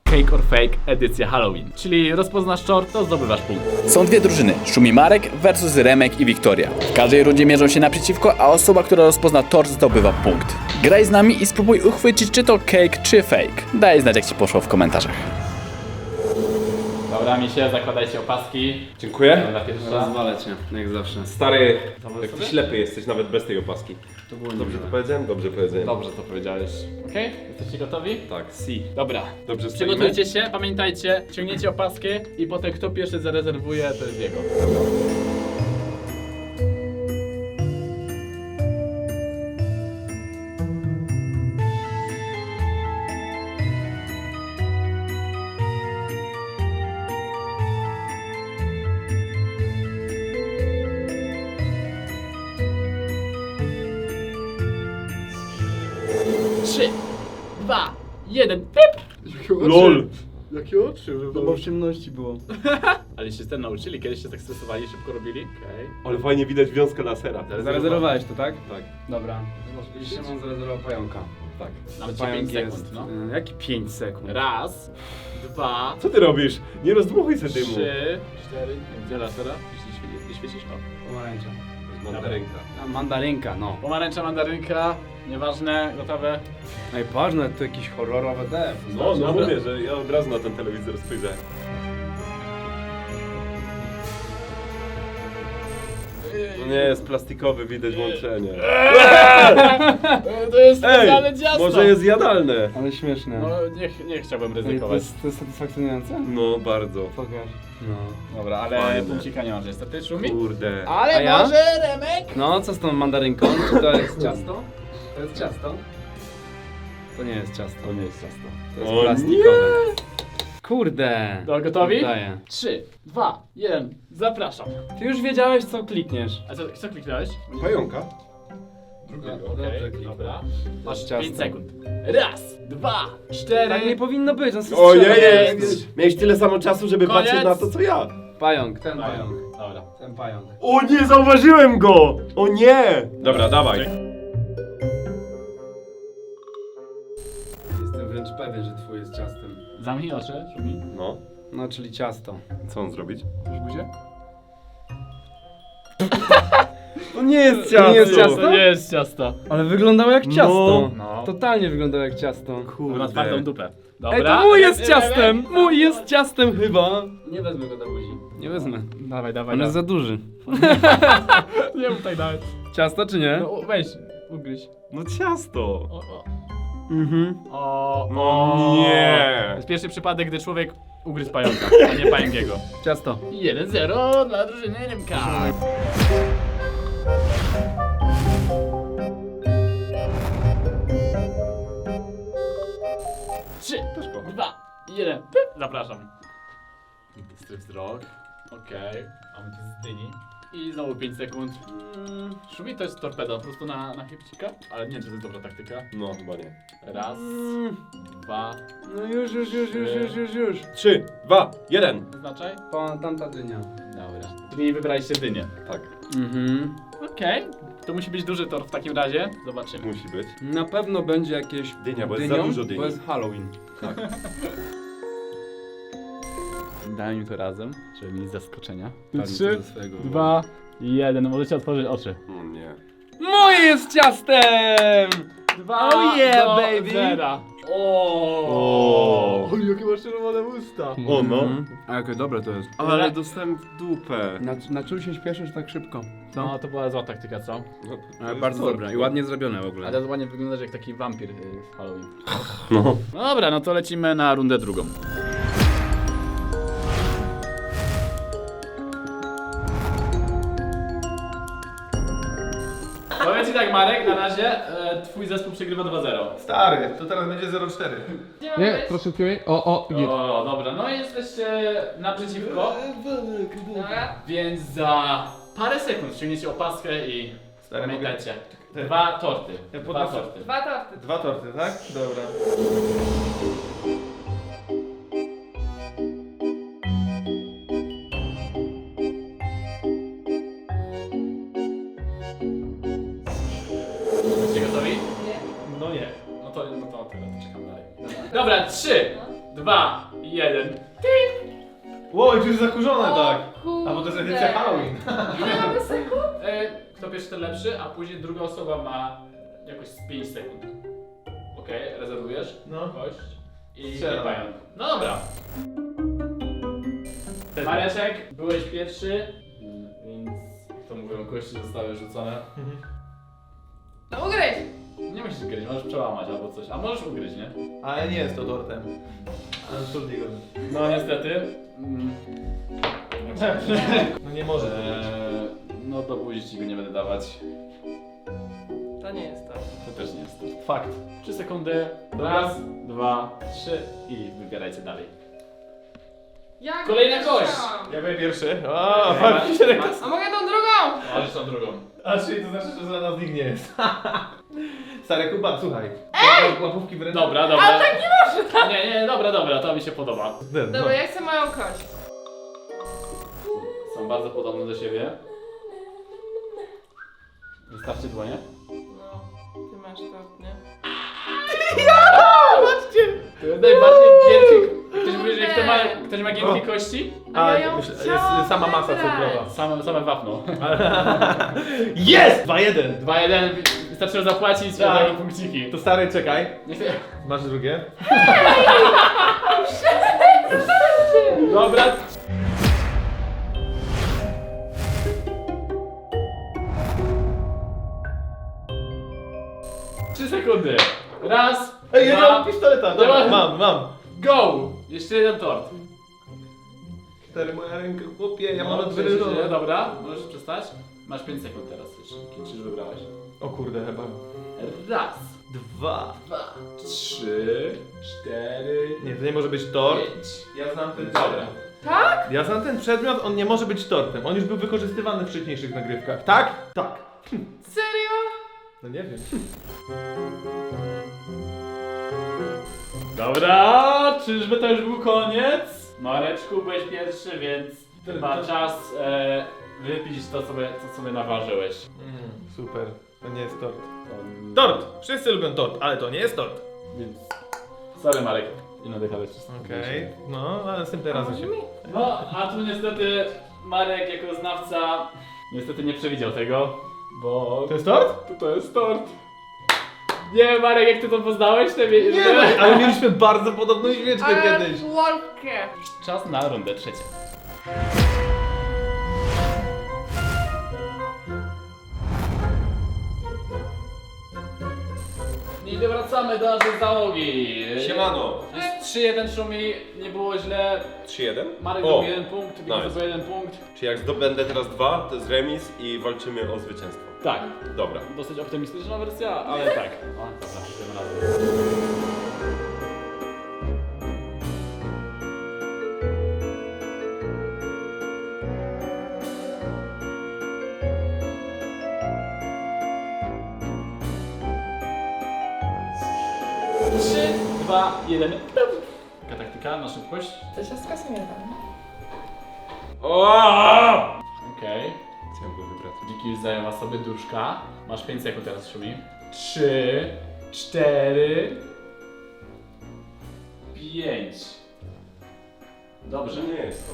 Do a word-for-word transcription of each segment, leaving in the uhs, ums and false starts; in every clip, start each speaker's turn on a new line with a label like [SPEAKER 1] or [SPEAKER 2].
[SPEAKER 1] Cake or Fake edycja Halloween. Czyli rozpoznasz tort, to zdobywasz punkt.
[SPEAKER 2] Są dwie drużyny, Szumi Marek versus Remek i Wiktoria. W każdej rundzie mierzą się naprzeciwko, a osoba, która rozpozna tort, zdobywa punkt. Graj z nami i spróbuj uchwycić, czy to cake, czy fake. Daj znać, jak ci poszło w komentarzach.
[SPEAKER 1] Dobra, mi się, zakładajcie opaski.
[SPEAKER 3] Dziękuję.
[SPEAKER 1] Dobra, pierwsza.
[SPEAKER 4] Rozwalę cię, jak zawsze.
[SPEAKER 3] Stary, jak
[SPEAKER 1] sobie?
[SPEAKER 3] ty ślepy jesteś nawet bez tej opaski.
[SPEAKER 4] To było
[SPEAKER 3] Dobrze
[SPEAKER 4] niemiłe.
[SPEAKER 3] to powiedziałem? Dobrze powiedziałem.
[SPEAKER 1] Dobrze to powiedziałeś. Okej? Jesteście gotowi?
[SPEAKER 3] Tak, si.
[SPEAKER 1] Dobra.
[SPEAKER 3] Dobrze stoimy?
[SPEAKER 1] Przygotujcie się, pamiętajcie, ciągniecie opaskę i potem kto pierwszy zarezerwuje, to jest jego. Trzy, dwa, jeden, pip!
[SPEAKER 3] LOL!
[SPEAKER 4] Jakie oczy? Chyba w ciemności było.
[SPEAKER 1] Ale się z tym nauczyli, kiedyś się tak stresowali, szybko robili. Okej.
[SPEAKER 3] Ale fajnie widać wiązkę lasera.
[SPEAKER 4] Zarezerwowałeś to, tak?
[SPEAKER 3] Tak,
[SPEAKER 4] Dobra. Szymon zarezerwował pająka.
[SPEAKER 3] tak.
[SPEAKER 1] Mam cię
[SPEAKER 4] Pająk
[SPEAKER 1] pięć sekund,
[SPEAKER 4] jest...
[SPEAKER 1] no.
[SPEAKER 4] y, Jaki pięć sekund?
[SPEAKER 1] Raz, dwa,
[SPEAKER 3] Co ty robisz? Nie rozdmuchuj se dymu.
[SPEAKER 1] trzy, cztery, gdzie lasera? Jeśli świecisz, o.
[SPEAKER 4] Pomarańcza.
[SPEAKER 3] Mandarynka.
[SPEAKER 4] A, mandarynka, no.
[SPEAKER 1] Pomarańcza, mandarynka, nieważne, gotowe.
[SPEAKER 4] Ej, ważne, to jakieś horrorowe te.
[SPEAKER 3] No, no
[SPEAKER 1] Dobra.
[SPEAKER 3] mówię, że ja od razu na ten telewizor spojrzałem. No nie, jest plastikowy, widać łączenie.
[SPEAKER 1] To jest
[SPEAKER 3] Ej,
[SPEAKER 1] specjalne ciasto!
[SPEAKER 3] może jest jadalne.
[SPEAKER 4] Ale śmieszne.
[SPEAKER 1] No nie, nie chciałbym
[SPEAKER 4] Ej, to,
[SPEAKER 1] ryzykować.
[SPEAKER 4] jest, to jest satysfakcjonujące?
[SPEAKER 3] No, bardzo.
[SPEAKER 4] Pokaż. No.
[SPEAKER 1] Dobra, ale
[SPEAKER 3] Fajne.
[SPEAKER 1] punkcika nie masz niestety, Szumi.
[SPEAKER 3] Kurde.
[SPEAKER 1] Ale
[SPEAKER 4] A ja?
[SPEAKER 1] może Remek?
[SPEAKER 4] No, co z tą mandarynką? Czy to jest ciasto? To jest ciasto? To nie jest ciasto.
[SPEAKER 1] To nie jest ciasto.
[SPEAKER 4] To jest
[SPEAKER 3] O
[SPEAKER 4] plastikowe. Kurde.
[SPEAKER 1] To gotowi?
[SPEAKER 4] Daję.
[SPEAKER 1] Trzy, dwa, jeden, zapraszam.
[SPEAKER 4] Ty już wiedziałeś, co klikniesz.
[SPEAKER 1] A co, co kliknąłeś?
[SPEAKER 3] Pająka?
[SPEAKER 4] Dobrze
[SPEAKER 1] Okej,
[SPEAKER 4] kliknę.
[SPEAKER 1] dobra. Masz
[SPEAKER 4] ciasto.
[SPEAKER 1] pięć sekund. Raz, dwa, cztery.
[SPEAKER 4] Tak nie powinno być, on
[SPEAKER 3] Ojej!
[SPEAKER 1] Koniec.
[SPEAKER 3] Miałeś tyle samo czasu, żeby
[SPEAKER 1] Koniec.
[SPEAKER 3] patrzeć na to, co ja.
[SPEAKER 4] Pająk, ten pająk.
[SPEAKER 1] Dobra.
[SPEAKER 4] Ten pająk.
[SPEAKER 3] O nie, zauważyłem go! O nie! Dobra, dawaj.
[SPEAKER 4] Jestem wręcz pewien, że twój jest ciastem.
[SPEAKER 1] Zamknij oczy, Szumi.
[SPEAKER 3] No,
[SPEAKER 4] No, czyli ciasto.
[SPEAKER 3] co on zrobić?
[SPEAKER 1] Już buzię?
[SPEAKER 3] To nie jest
[SPEAKER 4] To nie jest ciasto?
[SPEAKER 1] To nie jest ciasto.
[SPEAKER 4] Ale wyglądało jak ciasto.
[SPEAKER 1] No.
[SPEAKER 4] Totalnie wyglądało jak ciasto.
[SPEAKER 1] Bo na twardą dupę. Dobra.
[SPEAKER 4] Ej, to mój jest
[SPEAKER 1] Remek,
[SPEAKER 4] ciastem!
[SPEAKER 1] Remek.
[SPEAKER 4] Mój jest ciastem chyba! Nie wezmę go do buzi. Nie wezmę.
[SPEAKER 1] Dawaj, dawaj,
[SPEAKER 4] On jest
[SPEAKER 1] dawaj.
[SPEAKER 4] za duży.
[SPEAKER 1] Nie mów tak nawet.
[SPEAKER 4] Ciasto czy nie?
[SPEAKER 1] No weź, ugryź.
[SPEAKER 3] No ciasto.
[SPEAKER 1] O, o.
[SPEAKER 4] Mhm.
[SPEAKER 1] O,
[SPEAKER 3] No
[SPEAKER 1] o.
[SPEAKER 3] nie.
[SPEAKER 1] To jest pierwszy przypadek, gdy człowiek ugryzł pająka, a nie pająkiego.
[SPEAKER 4] Ciasto.
[SPEAKER 1] jeden zero dla drużyny Rymka. Trzy, dwa, jeden, pyp. Zapraszam. Bystry wzrok. Okej, mamy tu z dyni. I znowu pięć sekund. Mm, Szumi to jest torpeda, po prostu na, na chybcika, ale nie wiem, czy to jest dobra taktyka.
[SPEAKER 3] No, chyba nie.
[SPEAKER 1] Raz,
[SPEAKER 4] Mm.
[SPEAKER 1] dwa,
[SPEAKER 4] No już, już, już, już, już, już, już.
[SPEAKER 3] Trzy, dwa, jeden.
[SPEAKER 1] wyznaczaj.
[SPEAKER 4] Pa, tamta dynia.
[SPEAKER 1] Dobra. Czyli wybraliście dynię.
[SPEAKER 3] Tak,
[SPEAKER 4] Mhm.
[SPEAKER 1] Okej, to musi być duży tor w takim razie. Zobaczymy.
[SPEAKER 3] musi być.
[SPEAKER 4] Na pewno będzie jakieś
[SPEAKER 3] Dynia, bo jest
[SPEAKER 4] dynią,
[SPEAKER 3] za dużo dyni.
[SPEAKER 4] bo jest Halloween.
[SPEAKER 3] Tak.
[SPEAKER 1] Daj mi to razem, żeby mieć zaskoczenia.
[SPEAKER 4] Palił
[SPEAKER 1] Trzy,
[SPEAKER 4] to ze swojego.
[SPEAKER 1] dwa, jeden. Możecie otworzyć oczy.
[SPEAKER 3] O nie.
[SPEAKER 4] Mój jest ciastem!
[SPEAKER 1] Dwa
[SPEAKER 4] Oh yeah,
[SPEAKER 1] do
[SPEAKER 4] baby.
[SPEAKER 1] zera.
[SPEAKER 3] O.
[SPEAKER 1] O, jakie masz czerwone usta.
[SPEAKER 3] O no.
[SPEAKER 4] Mhm. A jakie dobre to jest.
[SPEAKER 3] Ale dostałem w dupę.
[SPEAKER 4] Na, na czym się śpieszysz tak szybko? Co?
[SPEAKER 1] No, to była zła taktyka, co?
[SPEAKER 3] No, to
[SPEAKER 4] Ale
[SPEAKER 3] jest
[SPEAKER 4] bardzo
[SPEAKER 3] torba.
[SPEAKER 4] dobre i ładnie zrobione w ogóle.
[SPEAKER 1] Ale ładnie wyglądasz jak taki wampir y, w Halloween.
[SPEAKER 3] No.
[SPEAKER 1] No dobra, no to lecimy na rundę drugą. Powiem ci tak, Marek, na razie e, twój zespół przegrywa dwa zero.
[SPEAKER 5] Stary, to teraz będzie zero cztery.
[SPEAKER 6] Nie, troszeczkę mniej. O, o, git.
[SPEAKER 1] O, dobra, no i jesteście naprzeciwko. Więc za parę sekund ściągniecie opaskę i
[SPEAKER 5] Stary,
[SPEAKER 1] pamiętajcie. Dwa torty.
[SPEAKER 5] Ja
[SPEAKER 1] Dwa
[SPEAKER 5] podnoszę.
[SPEAKER 1] torty.
[SPEAKER 7] Dwa torty.
[SPEAKER 5] Dwa torty, tak? Dobra.
[SPEAKER 1] Jesteście gotowi?
[SPEAKER 7] Nie.
[SPEAKER 5] No nie.
[SPEAKER 1] No to, no to tyle, to czekam dalej. Dobra, trzy, dwa, jeden.
[SPEAKER 5] Ło, już jest zakurzone,
[SPEAKER 7] O
[SPEAKER 5] tak.
[SPEAKER 7] kurde.
[SPEAKER 5] A bo to jest edycja Halloween.
[SPEAKER 7] Nie mamy sekund?
[SPEAKER 1] E, kto pierwszy, ten lepszy, a później druga osoba ma jakoś z pięć sekund. Okej, rezerwujesz?
[SPEAKER 5] No.
[SPEAKER 1] Kość i
[SPEAKER 5] Strzelam.
[SPEAKER 1] pająk. No dobra. Mareczek, byłeś pierwszy, więc to mówią, kości zostały rzucone.
[SPEAKER 7] No ugryź!
[SPEAKER 1] Nie musisz gryźć, możesz przełamać albo coś, a możesz ugryźć, nie?
[SPEAKER 5] Ale nie jest to tortem. Ale trudniej go.
[SPEAKER 1] No niestety. Mm.
[SPEAKER 5] No nie może.
[SPEAKER 1] Eee, no do buzi ci go nie będę dawać.
[SPEAKER 7] To nie jest to.
[SPEAKER 1] To też nie jest to. Fakt. Trzy sekundy. Raz, dwa, trzy i wybierajcie dalej.
[SPEAKER 7] Ja
[SPEAKER 1] Kolejna
[SPEAKER 7] nie
[SPEAKER 1] kość.
[SPEAKER 7] chciałam.
[SPEAKER 5] Ja byłem pierwszy. O,
[SPEAKER 1] Ej,
[SPEAKER 5] fakt się ręka.
[SPEAKER 7] A mogę tą drugą?
[SPEAKER 1] Możesz tą drugą.
[SPEAKER 5] A czyli to znaczy, że za nas nikt nie jest. Stary Kuba, słuchaj. Ej! Łapówki w ręce.
[SPEAKER 1] Dobra, dobra. Ale tak nie może. Nie, nie, dobra, dobra, to mi się podoba.
[SPEAKER 5] No.
[SPEAKER 7] Dobra, ja chcę moją kość.
[SPEAKER 1] Są bardzo podobne do siebie. Wystawcie dłonie.
[SPEAKER 7] No, ty masz to, nie?
[SPEAKER 1] To jest najbardziej giętkie. Ktoś mówi, że kto ma, ktoś ma giętkie
[SPEAKER 5] O.
[SPEAKER 1] kości?
[SPEAKER 7] A
[SPEAKER 5] A,
[SPEAKER 7] ja ją
[SPEAKER 5] myślę, jest
[SPEAKER 7] chciałam
[SPEAKER 5] sama masa
[SPEAKER 7] wybrać.
[SPEAKER 5] cukrowa.
[SPEAKER 1] Same, same wapno.
[SPEAKER 5] Jest! dwa jeden.
[SPEAKER 1] dwa jeden, wystarczyło zapłacić i
[SPEAKER 5] Tak.
[SPEAKER 1] tak. punkciki.
[SPEAKER 5] To stary, czekaj.
[SPEAKER 1] Nie chcę...
[SPEAKER 5] Masz drugie?
[SPEAKER 1] Dobra. Trzy sekundy. Raz,
[SPEAKER 5] Ej, ja
[SPEAKER 1] dwa,
[SPEAKER 5] mam pistoleta. Dobra,
[SPEAKER 1] Dobra.
[SPEAKER 5] mam, mam.
[SPEAKER 1] go! Jeszcze jeden tort.
[SPEAKER 5] Stary, moja ręka, chłopie, ja
[SPEAKER 1] No,
[SPEAKER 5] mam
[SPEAKER 1] trzy, trzy,
[SPEAKER 5] odwyrę.
[SPEAKER 1] dobra, możesz przestać. Masz pięć sekund teraz już. Czy już wybrałeś?
[SPEAKER 5] O kurde, chyba.
[SPEAKER 1] Raz,
[SPEAKER 5] Dwa.
[SPEAKER 1] dwa, trzy, cztery,
[SPEAKER 5] Nie, to nie może być tort.
[SPEAKER 1] pięć.
[SPEAKER 5] Ja znam ten
[SPEAKER 1] Dobra.
[SPEAKER 5] przedmiot.
[SPEAKER 7] Tak?
[SPEAKER 5] Ja znam ten przedmiot, on nie może być tortem. On już był wykorzystywany w wcześniejszych nagrywkach. Tak? Tak.
[SPEAKER 7] Serio?
[SPEAKER 5] No nie wiem.
[SPEAKER 1] Dobra, czyżby to już był koniec? Mareczku, byłeś pierwszy, więc chyba
[SPEAKER 5] to-
[SPEAKER 1] czas e, wypić to sobie, co sobie naważyłeś.
[SPEAKER 5] Mm, super. To nie jest tort.
[SPEAKER 1] To-
[SPEAKER 5] Tort! Wszyscy lubią tort, ale to nie jest tort.
[SPEAKER 1] Więc... Sorry Marek, nie nadychałeś wszystko.
[SPEAKER 5] Okej. No, ale następnym razem się...
[SPEAKER 1] No, a tu niestety Marek jako znawca niestety nie przewidział tego, bo...
[SPEAKER 5] To jest tort?
[SPEAKER 1] To, to jest tort. Nie wiem Marek, jak ty to poznałeś? Te wie...
[SPEAKER 5] Nie, no, ale mieliśmy bardzo podobną świeczkę
[SPEAKER 7] Ale
[SPEAKER 5] kiedyś.
[SPEAKER 7] Wolkę.
[SPEAKER 1] Czas na rundę trzecią. I wracamy do naszej załogi.
[SPEAKER 8] Siemano.
[SPEAKER 1] Jest trzy jeden Szumi, nie było źle.
[SPEAKER 8] trzy jeden?
[SPEAKER 1] Marek
[SPEAKER 8] O,
[SPEAKER 1] zdobył jeden punkt, Wiki
[SPEAKER 8] nice.
[SPEAKER 1] zdobył jeden punkt.
[SPEAKER 8] Czy jak zdobędę teraz dwa, to jest remis i walczymy o zwycięstwo.
[SPEAKER 1] Tak,
[SPEAKER 8] Dobra.
[SPEAKER 1] dosyć optymistyczna wersja, ale tak. O, dobra, tym razem. trzy, dwa, jeden. Taka taktyka na szybkość.
[SPEAKER 7] To się skasuje tam.
[SPEAKER 1] Okej.
[SPEAKER 8] Chciałem go wybrać.
[SPEAKER 1] Wiki już zajęła sobie duszka. Masz pięć sekund teraz, Szumi. trzy, cztery, pięć. Dobrze.
[SPEAKER 8] Nie jest to.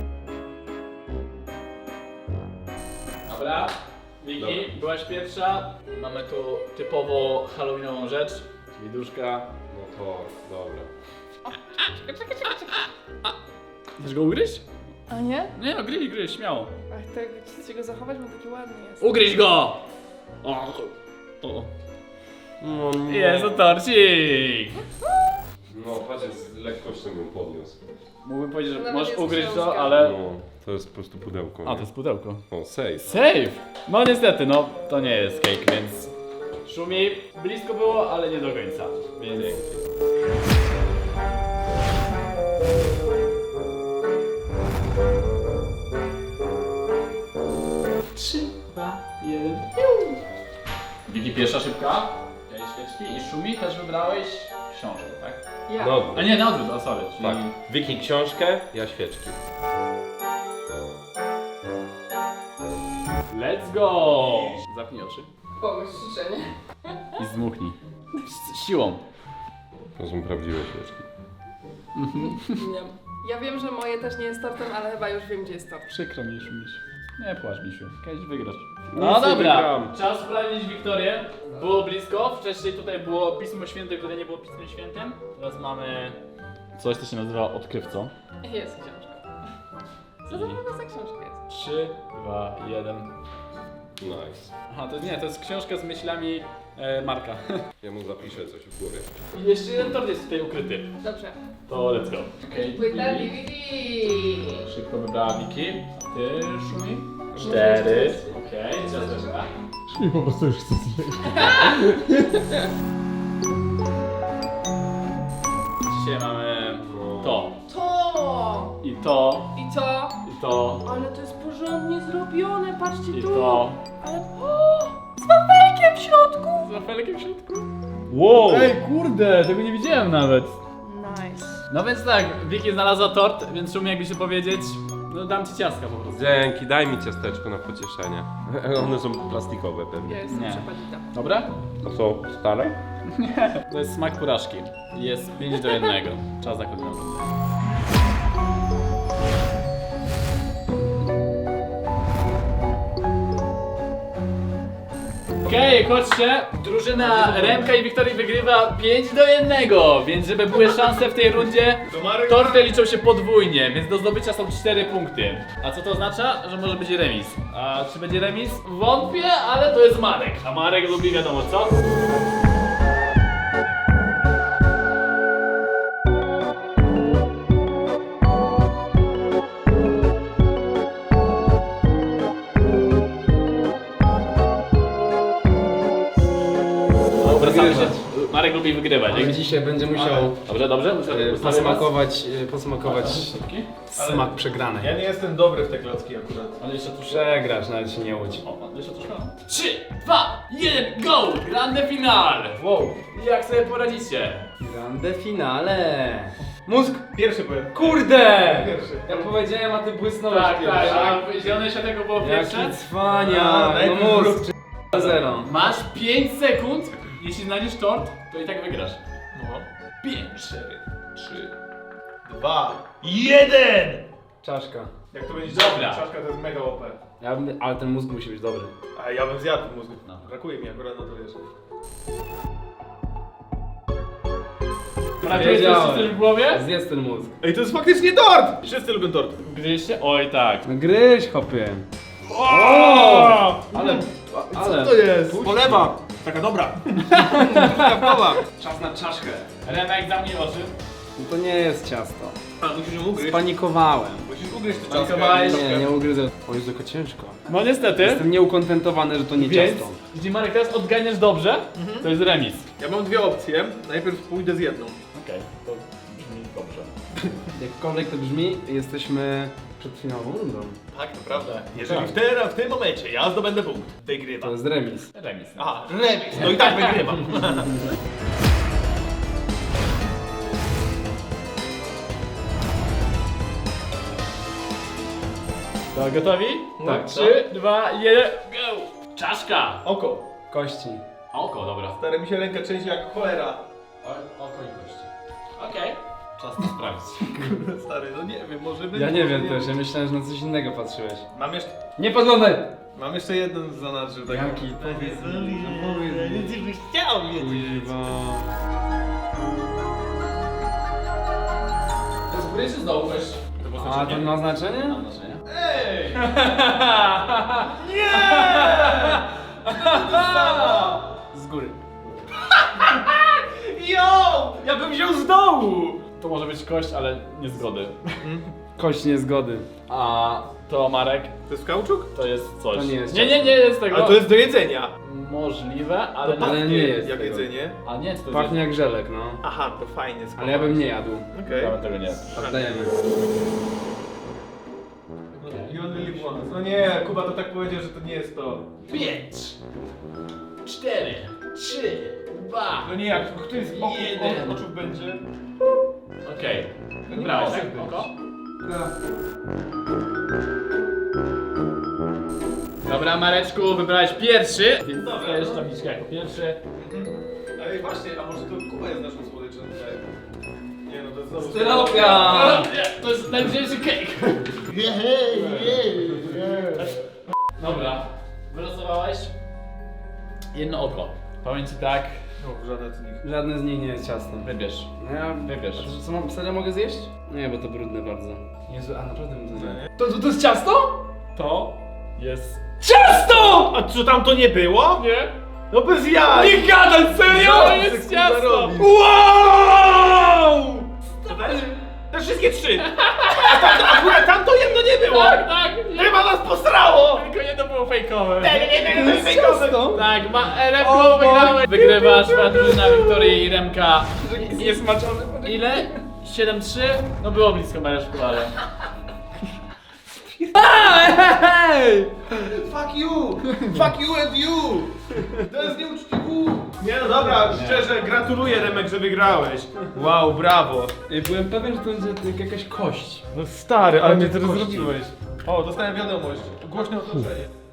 [SPEAKER 1] Dobra. Wiki,
[SPEAKER 8] Dobra.
[SPEAKER 1] byłaś pierwsza. Mamy tu typowo halloweenową rzecz, czyli duszka.
[SPEAKER 8] No to, dobra.
[SPEAKER 1] Chcesz go ugryźć?
[SPEAKER 7] A nie?
[SPEAKER 1] Nie no, gryź, gryź, śmiało.
[SPEAKER 7] Ach, tak chcecie go zachować, bo taki ładny jest.
[SPEAKER 1] Ugryź go! O, o.
[SPEAKER 8] No nie.
[SPEAKER 1] Jest to torcik!
[SPEAKER 8] No patrz, z lekkością bym podniósł.
[SPEAKER 1] Mógłbym powiedzieć, że
[SPEAKER 7] Nawet
[SPEAKER 1] możesz
[SPEAKER 7] jest
[SPEAKER 1] ugryźć to,
[SPEAKER 7] książka.
[SPEAKER 1] ale...
[SPEAKER 8] No, to jest po prostu pudełko.
[SPEAKER 1] A,
[SPEAKER 8] nie?
[SPEAKER 1] to jest pudełko.
[SPEAKER 8] O, safe.
[SPEAKER 1] Save! No niestety, no to nie jest cake, więc... Szumi, blisko było, ale nie do końca, więc... Trzy, dwa, jeden, Wiki pierwsza szybka. Miałeś świeczki i Szumi też wybrałeś książkę, tak?
[SPEAKER 7] Ja.
[SPEAKER 8] No,
[SPEAKER 1] A nie, na odwrót, o sorry, czyli...
[SPEAKER 8] tak. Wiki książkę, ja świeczki.
[SPEAKER 1] Let's go! Zapnij oczy
[SPEAKER 7] Kogoś życzenie.
[SPEAKER 1] i zdmuchnij. Z siłą.
[SPEAKER 8] To są prawdziwe świeczki.
[SPEAKER 7] Nie. Ja wiem, że moje też nie jest tortem, ale chyba już wiem, gdzie jest tort.
[SPEAKER 2] Przykro mi, Szumiś. Nie płacz, Misiu. Kiedyś wygrasz.
[SPEAKER 5] Nic
[SPEAKER 2] No
[SPEAKER 5] nie
[SPEAKER 2] dobra,
[SPEAKER 5] wygram.
[SPEAKER 2] czas sprawdzić Wiktorię. Było blisko, wcześniej tutaj było Pismo Święte, które nie było Pismem Świętym. Teraz mamy coś, co się nazywa odkrywcą.
[SPEAKER 7] Jest książka. Co to w ogóle za książka jest?
[SPEAKER 2] trzy, dwa, jeden.
[SPEAKER 8] Nice.
[SPEAKER 2] Aha, to nie, to jest książka z myślami e, Marka.
[SPEAKER 8] Ja mu zapiszę coś w głowie.
[SPEAKER 2] I jeszcze jeden tort jest tutaj ukryty.
[SPEAKER 7] Dobrze.
[SPEAKER 2] To let's go. Okay.
[SPEAKER 7] Płyta D V D.
[SPEAKER 2] Szybko wybrała Wiki. A ty, Szumi? Cztery. Okej, okay, ciasteczka.
[SPEAKER 6] I po prostu już chcę zjeść.
[SPEAKER 2] Dzisiaj mamy to.
[SPEAKER 7] To!
[SPEAKER 2] I to.
[SPEAKER 7] I to!
[SPEAKER 2] I to.
[SPEAKER 7] Ale to jest porządnie zrobione, patrzcie
[SPEAKER 2] I
[SPEAKER 7] tu!
[SPEAKER 2] to.
[SPEAKER 7] Ale... O! Z wafelkiem w środku!
[SPEAKER 2] Z wafelkiem w środku.
[SPEAKER 3] Wow!
[SPEAKER 2] Ej, kurde, tego nie widziałem nawet.
[SPEAKER 7] Nice.
[SPEAKER 2] No więc tak, Wiki znalazła tort, więc Szumi, jakby się powiedzieć, no dam ci ciastka po prostu.
[SPEAKER 8] Dzięki, daj mi ciasteczko na pocieszenie. One są plastikowe
[SPEAKER 7] Ja
[SPEAKER 8] pewnie.
[SPEAKER 7] jestem
[SPEAKER 2] Nie.
[SPEAKER 7] przepadita.
[SPEAKER 2] Dobra?
[SPEAKER 8] To są stare?
[SPEAKER 2] To jest smak porażki. Jest pięć do jednego. Czas na kolejną rundę. Okej, okay, chodźcie. Drużyna Remka i Wiktorii wygrywa pięć do jednego, więc żeby były szanse w tej rundzie, torty liczą się podwójnie, więc do zdobycia są cztery punkty. A co to oznacza? Że może być remis. A czy będzie remis? Wątpię, ale to jest Marek. A Marek lubi wiadomo co? Wracamy się. Marek lubi wygrywać.
[SPEAKER 4] Ale dzisiaj będzie musiał
[SPEAKER 2] Dobrze, dobrze?
[SPEAKER 4] e,
[SPEAKER 2] Ustawię was.
[SPEAKER 4] posmakować, e, posmakować smak przegranej.
[SPEAKER 3] Ja nie jestem dobry w te klocki akurat.
[SPEAKER 2] Ale jeszcze troszkę.
[SPEAKER 4] Przegrasz, nawet się nie łudź.
[SPEAKER 2] O, jeszcze troszkę. trzy, dwa, jeden, go! Grande finale!
[SPEAKER 3] Wow!
[SPEAKER 2] Jak sobie poradzicie?
[SPEAKER 4] Grande finale! Mózg!
[SPEAKER 3] Pierwszy powiem.
[SPEAKER 4] Kurde!
[SPEAKER 3] Pierwszy.
[SPEAKER 4] Ja powiedziałem, a ty błysnąłeś
[SPEAKER 2] Tak, tak,
[SPEAKER 4] pierwszy.
[SPEAKER 2] a zielone światełko było pierwsze.
[SPEAKER 4] Jaki cwania!
[SPEAKER 3] A,
[SPEAKER 4] No
[SPEAKER 3] najpierw
[SPEAKER 4] mózg! Zero.
[SPEAKER 2] Masz pięć sekund. Jeśli znajdziesz tort, to i tak wygrasz.
[SPEAKER 3] No.
[SPEAKER 2] pięć.
[SPEAKER 8] cztery, trzy.
[SPEAKER 3] Dwa. Jeden!
[SPEAKER 4] Czaszka.
[SPEAKER 3] Jak to będzie
[SPEAKER 2] Dobra.
[SPEAKER 3] czaszka, to jest mega O P.
[SPEAKER 4] Ja bym, ale ten mózg musi być dobry.
[SPEAKER 3] A ja bym zjadł mózg.
[SPEAKER 2] No.
[SPEAKER 3] Brakuje mi akurat na to wiesz.
[SPEAKER 2] Prawie jest coś w głowie?
[SPEAKER 4] Zjedz ten mózg.
[SPEAKER 3] Ej, to jest faktycznie tort! Wszyscy lubią tort.
[SPEAKER 2] Gryźcie? Oj tak.
[SPEAKER 4] No gryź, hopie.
[SPEAKER 3] O!
[SPEAKER 4] Ale, ale.
[SPEAKER 3] Co jest? Polewa! Taka dobra.
[SPEAKER 4] Czas na czaszkę.
[SPEAKER 2] Remek, zamknij oczy.
[SPEAKER 4] No to nie jest ciasto.
[SPEAKER 3] A, musisz ją ugryźć.
[SPEAKER 4] Spanikowałem.
[SPEAKER 3] Musisz ugryźć to
[SPEAKER 2] Spanikowałeś?
[SPEAKER 3] ciastko.
[SPEAKER 4] Nie, nie ugryzę. O, jest tylko ciężko.
[SPEAKER 2] No niestety.
[SPEAKER 4] Jestem nieukontentowany, że to nie
[SPEAKER 2] Więc,
[SPEAKER 4] ciasto.
[SPEAKER 2] jeśli Marek teraz odganiesz dobrze, to jest remis.
[SPEAKER 3] Ja mam dwie opcje. Najpierw pójdę z jedną.
[SPEAKER 2] Okej, to brzmi dobrze.
[SPEAKER 4] Jakkolwiek to brzmi, jesteśmy przed finałową rundą.
[SPEAKER 3] Tak, naprawdę. Jeżeli w, te, w tym momencie ja zdobędę punkt,
[SPEAKER 4] To
[SPEAKER 3] wygrywam.
[SPEAKER 4] jest remis.
[SPEAKER 2] Remis.
[SPEAKER 3] Aha, remis. No i tak wygrywam.
[SPEAKER 2] To gotowi?
[SPEAKER 3] Tak.
[SPEAKER 2] trzy, dwa, jeden, go! Czaszka!
[SPEAKER 3] Oko.
[SPEAKER 4] Kości.
[SPEAKER 2] Oko, dobra.
[SPEAKER 3] Stary, mi się ręka trzęsie jak cholera.
[SPEAKER 2] O, oko i kości. Okej. Czas to sprawdzić.
[SPEAKER 3] Stary, no nie wiem, może być.
[SPEAKER 4] Ja nie
[SPEAKER 3] może
[SPEAKER 4] wiem też, ja myślałem, że na coś innego patrzyłeś.
[SPEAKER 3] Mam jeszcze,
[SPEAKER 4] Nie podglądaj!
[SPEAKER 3] mam jeszcze jeden zanadrzył. Tak.
[SPEAKER 4] Jaki? Powiedz mi, no powiedz mi.
[SPEAKER 3] Nic byś chciał wiedzieć.
[SPEAKER 4] Kuźwa.
[SPEAKER 2] To jest góry czy z dołu weź? To było
[SPEAKER 4] A to
[SPEAKER 2] znaczenie?
[SPEAKER 4] ma znaczenie?
[SPEAKER 2] Ma znaczenie.
[SPEAKER 3] Ej!
[SPEAKER 4] Z góry.
[SPEAKER 3] Jo! Ja bym wziął z dołu!
[SPEAKER 2] To może być kość, ale nie zgody.
[SPEAKER 4] Kość niezgody.
[SPEAKER 2] A to Marek,
[SPEAKER 3] To jest kauczuk?
[SPEAKER 2] to jest coś.
[SPEAKER 4] To nie jest
[SPEAKER 2] Nie, nie, nie jest tego.
[SPEAKER 3] Ale to jest do jedzenia.
[SPEAKER 2] Możliwe, ale...
[SPEAKER 3] To
[SPEAKER 4] ale
[SPEAKER 3] pachnie
[SPEAKER 4] nie jest
[SPEAKER 3] jak
[SPEAKER 4] tego.
[SPEAKER 3] jedzenie.
[SPEAKER 2] A nie, to jest...
[SPEAKER 4] Pachnie jak żelek, no.
[SPEAKER 3] Aha, to fajnie.
[SPEAKER 4] Ale ja bym nie jadł.
[SPEAKER 3] Okej.
[SPEAKER 2] Ja bym tego nie.
[SPEAKER 4] Oddajemy.
[SPEAKER 3] You only live once. No nie, Kuba to tak powiedział, że to nie jest to.
[SPEAKER 2] Pięć, cztery, trzy, dwa.
[SPEAKER 3] No nie, jak któryś z boku
[SPEAKER 2] Jeden.
[SPEAKER 3] oczów będzie.
[SPEAKER 2] Okej.
[SPEAKER 3] nie
[SPEAKER 2] Wybrałeś,
[SPEAKER 3] może
[SPEAKER 2] tak?
[SPEAKER 3] być.
[SPEAKER 2] Oko? Dobra, Mareczku, wybrałeś pierwszy, więc
[SPEAKER 3] Dobra,
[SPEAKER 2] dostajesz
[SPEAKER 3] no.
[SPEAKER 2] tabliczkę jako pierwszy.
[SPEAKER 3] Ale właśnie, a może to Kuba jest naszą słodyczą tutaj? Nie no, to jest
[SPEAKER 4] Styropia!
[SPEAKER 1] Nie, to jest najlżejszy cake. Dobra, wylosowałeś jedno oko. Powiem ci tak,
[SPEAKER 5] No, żadne z nich.
[SPEAKER 4] Żadne z nich nie jest ciastem.
[SPEAKER 1] wybierz.
[SPEAKER 4] No ja
[SPEAKER 1] Wybierz.
[SPEAKER 4] A to, co mam, serio mogę zjeść? Nie, bo to brudne bardzo. Jezu, a naprawdę bym to zjadł.
[SPEAKER 1] To, to, to jest ciasto? To jest...
[SPEAKER 5] Ciasto! A co tam to nie było?
[SPEAKER 1] Nie?
[SPEAKER 5] No bez jaj!
[SPEAKER 1] Nie gadaj, serio? To jest ciasto!
[SPEAKER 5] Wow! Te wszystkie trzy! A tam, to, akurat tam to jedno nie było!
[SPEAKER 1] Tak, tak!
[SPEAKER 5] Chyba nas posrało!
[SPEAKER 1] Tylko jedno było fejkowe.
[SPEAKER 5] Nie, nie, nie, nie, nie, nie,
[SPEAKER 1] Tak, ma Remko wygrałeś. Wygrywasz, twoja drużyna Wiktoria i Remka. Jest maczony. Ile? siedem trzy? No było blisko Mareszku, ale...
[SPEAKER 5] Fuck you! Fuck you and you! To jest nieuczciwe! Nie no dobra, szczerze gratuluję Remek, że wygrałeś. Wow, brawo.
[SPEAKER 4] Ej, byłem pewien, że to będzie jakaś kość.
[SPEAKER 5] No stary, ale mnie
[SPEAKER 4] teraz
[SPEAKER 5] zrobiłeś. O, dostałem wiadomość. Głośne otoczenie.